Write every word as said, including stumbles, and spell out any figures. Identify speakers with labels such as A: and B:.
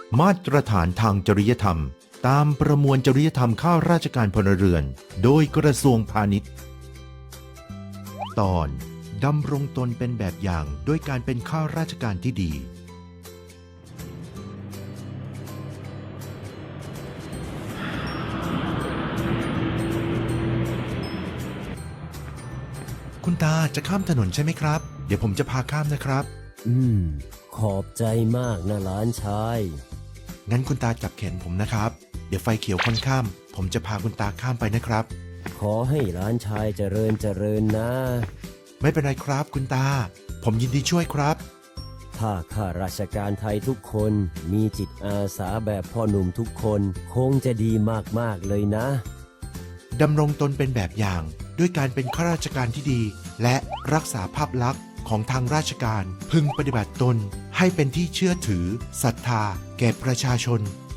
A: มาตรฐานทางจริยธรรมตามประมวลจริยธรรมข้าราชการพลเรือนโดยกระทรวงพาณิชย์ ตอนดำรงตนเป็นแบบอย่างด้วยการเป็นข้าราชการที่ดี คุณตาจะข้ามถนนใช่ไหมครับเดี๋ยวผมจะพาข้ามนะครับ
B: อืม ขอบใจมากนะหลานชาย
A: งั้นคุณตาจับแขนผมนะครับเดี๋ยวไฟเขียวค่อนข้ามผมจะพาคุณตาข้ามไปนะครับ
B: ขอให้หลานชายเจริญเจริญนะ
A: ไม่เป็นไรครับคุณตาผมยินดีช่วยครับ
B: ถ้าข้าราชการไทยทุกคนมีจิตอาสาแบบพ่อหนุ่มทุกคนคงจะดีมากๆเลยนะ
A: ดำรงตนเป็นแบบอย่างด้วยการเป็นข้าราชการที่ดี และรักษาภาพลักษณ์ของทางราชการพึงปฏิบัติตนให้เป็นที่เชื่อถือศรัทธาแก่ประชาชน